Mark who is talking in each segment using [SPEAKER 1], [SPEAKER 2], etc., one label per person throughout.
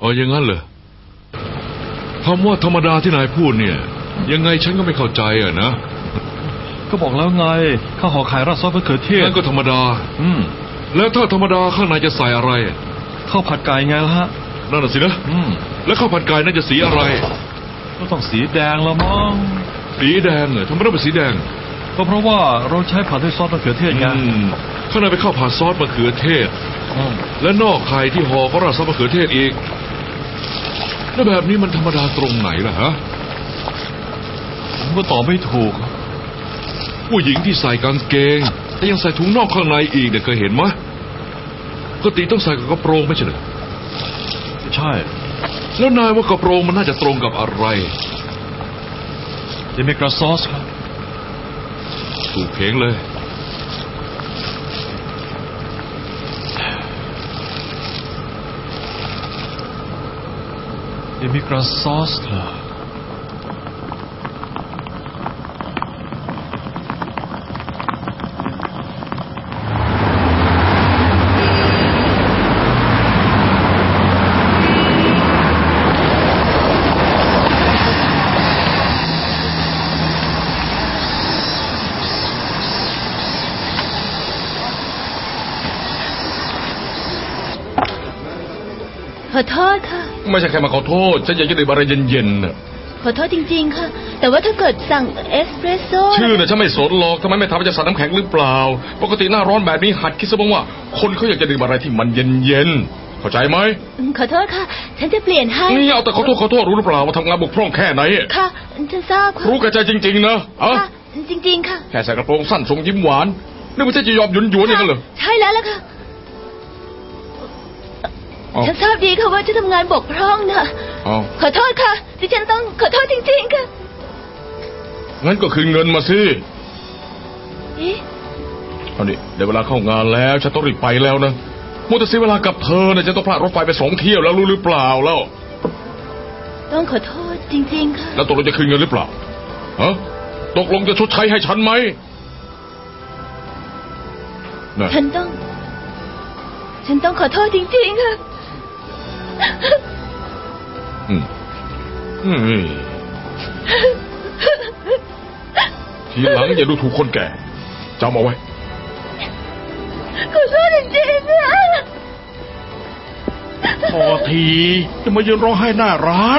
[SPEAKER 1] อ๋ออย่างนั้นเหรอคำว่าธรรมดาที่นายพูดเนี่ยยังไงฉันก็ไม่เข้าใจอ่ะนะ
[SPEAKER 2] ก็บอกแล้วไงข้าวห่อไข่ราดซอสมะเขือเทศ
[SPEAKER 1] นั่นก็ธรรมดาแล้วถ้าธรรมดาข้างในจะใส่อะไร
[SPEAKER 2] ข้าวผัดไก่ไงล่ะฮะ
[SPEAKER 1] นั่นน่ะสินะแล้วข้าวผัดไก่น่าจะสีอะไร
[SPEAKER 2] ก็ต้องสีแดงละมั้ง
[SPEAKER 1] สีแดงเหรอทำไมต้องเป็นสีแดง
[SPEAKER 2] ก็เพราะว่าเราใช้ผัดด้วยซอสมะเขือเทศไง
[SPEAKER 1] ข้างในเป็นข้าวผัดซอสมะเขือเทศและนอกไข่ที่ห่อก็ราดซอสมะเขือเทศอีกแล้วแบบนี้มันธรรมดาตรงไหนล่ะฮะ
[SPEAKER 2] ผมก็ตอบไม่ถูก
[SPEAKER 1] ผู้หญิงที่ใส่กางเกงแต่ยังใส่ถุงนอกข้างในอีกเนี่ยเคยเห็นไหมปกติต้องใส่กับกระโปรงไม่ใช่เหรอ
[SPEAKER 2] ใช่
[SPEAKER 1] แล้วนายว่ากระโปรงมันน่าจะตรงกับอะไร
[SPEAKER 2] เดมิกราซอสครับ
[SPEAKER 1] ถูกเพลงเลย
[SPEAKER 2] เดมิกราซอสเหรอ
[SPEAKER 3] ขอโทษค่ะ
[SPEAKER 1] ไม่ใช่แค่มาขอโทษฉันอยากจะดื่มอะไรเย็นๆน่ะ
[SPEAKER 3] ขอโทษจริงๆค่ะแต่ว่าถ้าเกิดสั่งเอสเปรสโซ่
[SPEAKER 1] ชื่อน่ะฉันไม่สนหรอกทำไมไม่ทำให้จะใส่น้ำแข็งหรือเปล่าปกติหน้าร้อนแบบนี้หัดคิดซะบ้างว่าคนเขาอยากจะดื่มอะไรที่มันเย็นๆเข้าใจไหม
[SPEAKER 3] ขอโทษค่ะฉันจะเปลี่ยนให้
[SPEAKER 1] นี่เอาแต่ขอโทษรู้หรือเปล่าว่าทำงานบกพร่องแค่ไหน
[SPEAKER 3] ค่ะฉันทราบค่ะ
[SPEAKER 1] รู้กระจายจริงๆนะ
[SPEAKER 3] ค่ะจริงๆค่ะ
[SPEAKER 1] แค่ใส่กระโปรงสั้นทรงยิ้มหวานนึกว่าจะยอมหยุนๆอย่างนั้นเหรอ
[SPEAKER 3] ใช่แล้วล่ะค่ะฉันทราบดีค่ะว่าจะทำงานบกพร่องนะขอโทษค่ะที่ฉันต้องขอโทษจริงๆค่ะ
[SPEAKER 1] งั้นก็คืนเงินมาสิ
[SPEAKER 3] เอา
[SPEAKER 1] ดิเดี๋ยวเวลาเข้างานแล้วฉันต้องรีบไปแล้วนะมัวแต่เสียเวลากับเธอเนี่ยจะต้องพลาดรถไฟไป2 เที่ยวแล้วรู้หรือเปล่าแล้ว
[SPEAKER 3] ต้องขอโทษจริงๆค่ะ
[SPEAKER 1] แล้วตกลงจะคืนเงินหรือเปล่าตกลงจะชดใช้ให้ฉันไหม
[SPEAKER 3] ฉันต้องขอโทษจริงๆค่ะ
[SPEAKER 1] ทีหลังอย่าดูถูกคนแก่จำเอาไว้
[SPEAKER 3] ขอโทษจริงๆค่ะ
[SPEAKER 2] พอทีจะมายืนร้องไห้หน้าร้าน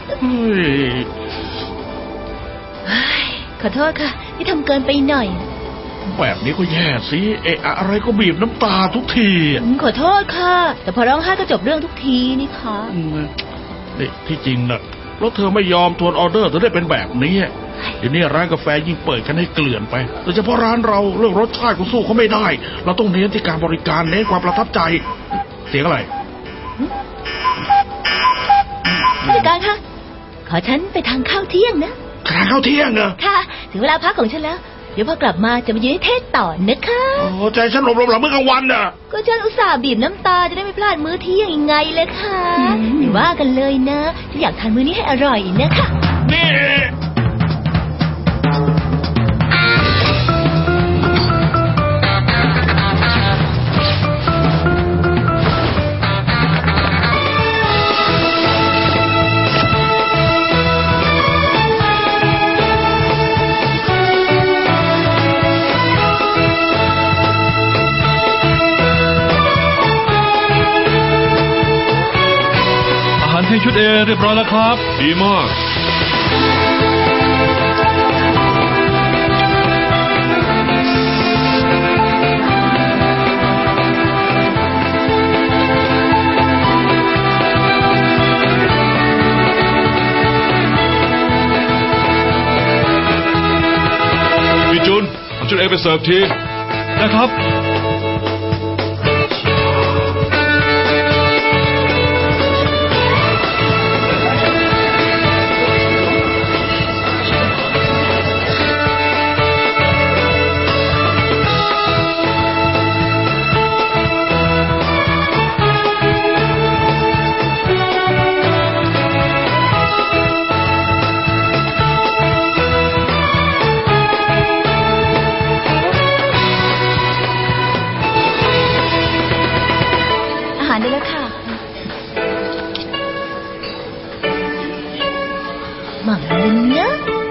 [SPEAKER 3] ขอโทษค่ะที่ทำเกินไปหน่อย
[SPEAKER 2] แบบนี้ก็แย่สิอะไรก็บีบน้ำตาทุกที
[SPEAKER 3] ขอโทษค่ะแต่พอร้องไห้ก็จบเรื่องทุกทีนี่ค่ะ
[SPEAKER 2] นี่ที่จริงนะแล้วเธอไม่ยอมทวนออเดอร์เธอได้เป็นแบบนี้เดี๋ยวนี้ร้านกาแฟยิ่งเปิดกันให้เกลื่อนไปโดยเฉพาะร้านเราเรื่องรสชาติก็สู้เขาไม่ได้เราต้องเน้นที่การบริการเน้นความประทับใจเสียงอะไร
[SPEAKER 3] ผู้จัดการคะขอฉันไปทานข้าวเที่ยงนะ
[SPEAKER 2] ทานข้าวเที่ยงเหรอ
[SPEAKER 3] ค่ะถึงเวลาพักของฉันแล้วเดี๋ยวพอกลับมาจะมายืนให้เทศต่อนะคะ
[SPEAKER 2] โอ้ใจฉันหลบหลับเมื่อกลางวันน่ะ
[SPEAKER 3] ก็ฉันอุตส่าห์บีบน้ำตาจะได้ไม่พลาดมื้อเที่ยงยังไงเลยค่ะอย่าว่ากันเลยนะฉันอยากทานมื้อนี้ให้อร่อยนะคะ
[SPEAKER 2] นี่ชุดเรียบร้อยแล้วครับ
[SPEAKER 1] ดีมากพี่จุนเอาชุดไปเสิร์ฟที
[SPEAKER 2] นะครับ
[SPEAKER 1] ด
[SPEAKER 3] หม่ำเลยนะ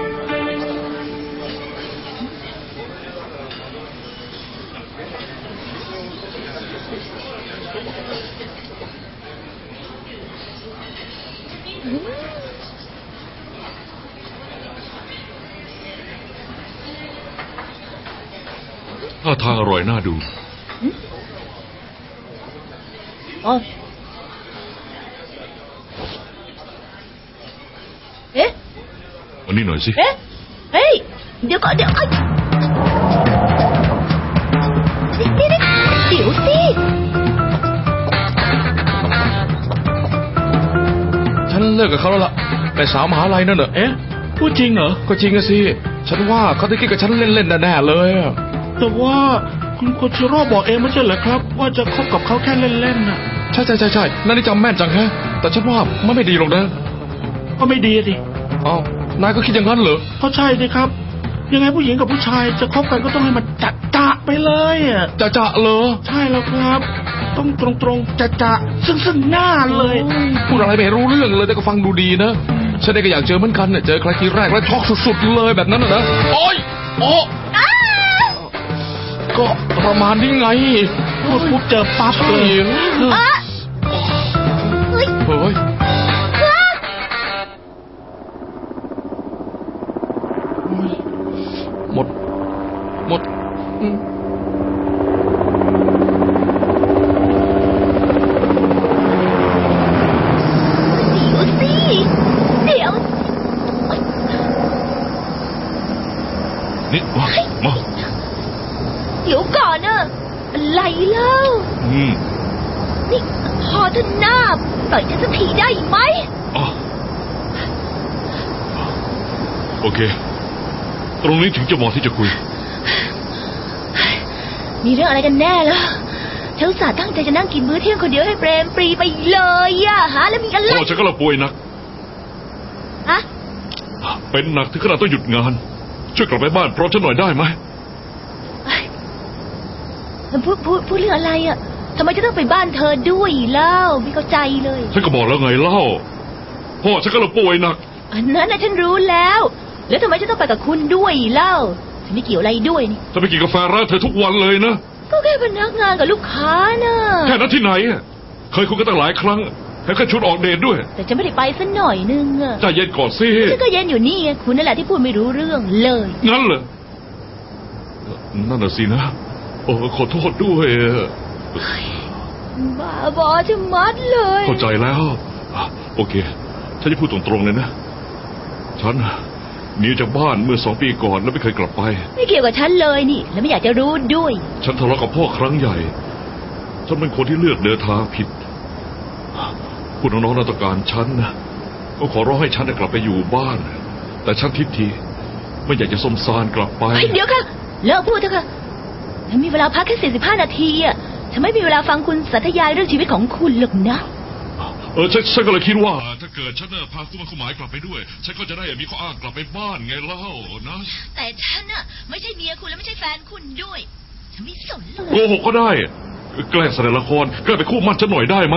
[SPEAKER 1] ท่าทางอร่อยน่าดู
[SPEAKER 3] อ๋อเอ๊ะ
[SPEAKER 1] อันนี้หน่อยสิ
[SPEAKER 3] เอ๊ะ เฮ้ย เดี๋ยวก่อนเดี๋ยวสิ
[SPEAKER 4] ฉันเลิกกับเขาแล้วล่ะแต่สาวมหาลัยนั่นเหรอ
[SPEAKER 2] เอ๊ะพูดจริงเหรอ
[SPEAKER 4] ก็จริงอะสิฉันว่าเขาได้คิดกับฉันเล่นๆแน่ๆเลยอะ
[SPEAKER 2] แต่ว่าคุณโคชิโร่บอกเองไม่ใช่เหรอครับ ว่าจะคบกับเขาแค่เล่นๆน่ะ
[SPEAKER 4] ใช่นั่นนี่จำแม่นจังฮะแต่ฉันว่ามันไม่ดีหรอกนะ
[SPEAKER 2] ก็ไม่ดีดิ
[SPEAKER 4] อ้าวนายก็คิดอย่างนั้นเหรอ
[SPEAKER 2] ก็ใช่ดิครับ ยังไงผู้หญิงกับผู้ชายจะคบกันก็ต้องให้มันจะไปเลยอ่ะ
[SPEAKER 4] จะเหรอ
[SPEAKER 2] ใช่แล้วครับ ต้องตรงจะซึ่งหน้าเลย
[SPEAKER 4] พูดอะไรไม่รู้เรื่องเลยแต่ก็ฟังดูดีนะฉันเองก็อยากเจอเหมือนกันเนี่ยเจอใครทีแรกแล้วช็อกสุดๆเลยแบบนั้นนะโอ๊ยโอ้ก็ประมาณนี้ไง
[SPEAKER 2] พูดปุ๊บเจอปั๊บ
[SPEAKER 4] ใช่
[SPEAKER 2] เลย
[SPEAKER 4] เฮ้ยหมด
[SPEAKER 3] เดี๋ยว
[SPEAKER 1] นี่มา
[SPEAKER 3] เดี๋ยวก่อนน่ะอะไรเล่านี่พอเธอหน้าปล่อยฉันสักทีได้ไหม
[SPEAKER 1] อ๋อโอเค ตรงนี้ถึงจะเหมาะที่จะคุย
[SPEAKER 3] มีเรื่องอะไรกันแน่ล่ะฉันอุตส่าห์ตั้งใจจะนั่งกินมื้อเที่ยงคนเดียวให้เปรมปรีไปเลยอะฮะแล้วมีอะไร
[SPEAKER 1] พ่อฉันก็ละป่วยหนัก
[SPEAKER 3] ฮะ
[SPEAKER 1] เป็นหนักถึงขนาดต้องหยุดงาน ช่วยกลับไปบ้านพร้อมฉันหน่อยได้ไหม
[SPEAKER 3] พูดเรื่องอะไรอะทำไมจะต้องไปบ้านเธอด้วยเล่าไม่เข้าใจเลย
[SPEAKER 1] ฉันก็บอกแล้วไงเล่า พ่อฉันก็ละป่วยหนัก
[SPEAKER 3] อันนั้นนะฉันรู้แล้ว แล้วทำไมฉันต้องไปกับคุณด้วยเล่าฉันไม่เกี่ยวอะไรด้วยนี่
[SPEAKER 1] จะไปกินกาแฟร้านเธอทุกวันเลยนะ
[SPEAKER 3] ก็แค่พนักงานกับลูกค้าน่ะ
[SPEAKER 1] แค่นั้นที่ไหนอะเคยคุยกันตั้งหลายครั้งแล้วก็ชวนออกเดทด้วย
[SPEAKER 3] แต่ฉันไม่ได้ไปสักหน่อยนึงอะ
[SPEAKER 1] ใจเย็นก่อนสิ
[SPEAKER 3] ฉันก็เย็นอยู่นี่ไงคุณนั่นแหละที่พูดไม่รู้เรื่องเลย
[SPEAKER 1] งั้นเหรอนั่นน่ะสินะโอ้ขอโทษด้วย
[SPEAKER 3] บ้าบอจะมัดเลย
[SPEAKER 1] เข้าใจแล้วโอเคฉันจะพูดตรงๆเลยนะฉันหนีจากบ้านเมื่อ2 ปีก่อนแล้วไม่เคยกลับไป
[SPEAKER 3] ไม่เกี่ยวกับฉันเลยนี่แล้วไม่อยากจะรู้ด้วย
[SPEAKER 1] ฉันทะเลาะกับพ่อครั้งใหญ่ฉันเป็นคนที่เลือกเดินทางผิดคุณน้องๆน่าต้องการฉันนะก็ขอร้องให้ฉันกลับไปอยู่บ้านแต่ฉันทิฐิไม่อยากจะสมสารกลับไป
[SPEAKER 3] เดี๋ยวค่ะเลิกพูดเถอะค่ะฉันมีเวลาพักแค่45 นาทีอ่ะฉันไม่มีเวลาฟังคุณสาธยายเรื่องชีวิตของคุณหรอกนะ
[SPEAKER 1] ฉันก็เลยคิดว่าถ้าเกิดฉันพาคุณหมายกลับไปด้วยฉันก็จะได้มีข้ออ้างกลับไปบ้านไงเล่านะ
[SPEAKER 3] แต่ฉันน่ะไม่ใช่เมียคุณและไม่ใช่แฟนคุณด้วยฉันไม่สนเล
[SPEAKER 1] โก
[SPEAKER 3] ย
[SPEAKER 1] หกก็ได้แกล้งแสดงละครแกล้งไปคู่มั่นฉันหน่อยได้ไหม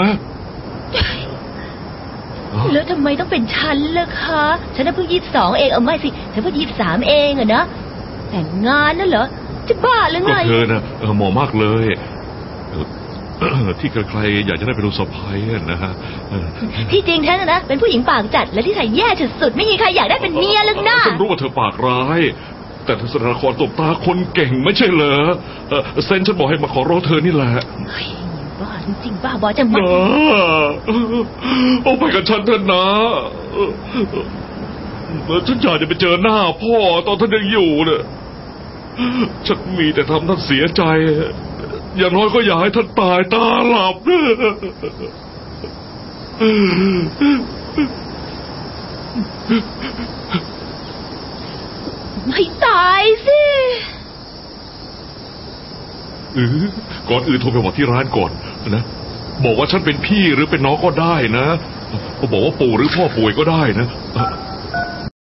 [SPEAKER 3] แล้วทำไมต้องเป็นฉันล่ะคะฉันน่ะเพิ่ง22เองเอาไม่สิฉันเพิ่ง23เองอะนะแต่งงานนั่นเหรอจะบ้าหรือไง
[SPEAKER 1] ก็เธอนะเหมาะมากเลยที่ใครๆอยากจะได้เป็นลูกสะใภ้นะฮะ
[SPEAKER 3] ที่จริงฉันนะเป็นผู้หญิงปากจัดและที่ใส่แย่สุดๆไม่มีใครอยากได้เป็นเมียหรอกนะ
[SPEAKER 1] ฉันรู้ว่าเธอปากร้ายแต่เธอแสดงละครตบตาคนเก่งไม่ใช่เหรอเซนฉันบอกให้มาขอร้องเธอนี่แหละ
[SPEAKER 3] เฮ้ยบ้าจริงๆบ้าบอจะมา
[SPEAKER 1] เอาไปกับฉันเถอะนะฉันอยากจะไปเจอหน้าพ่อตอนท่านยังอยู่เนี่ยฉันมีแต่ทำท่านเสียใจอย่างน้อยก็อยากให้ท่านตายตาหลับ
[SPEAKER 3] ไม่ตายสิ
[SPEAKER 1] ก่อนอื่นโทรไปบอกที่ร้านก่อนนะบอกว่าฉันเป็นพี่หรือเป็นน้องก็ได้นะบอกว่าปู่หรือพ่อป่วยก็ได้นะ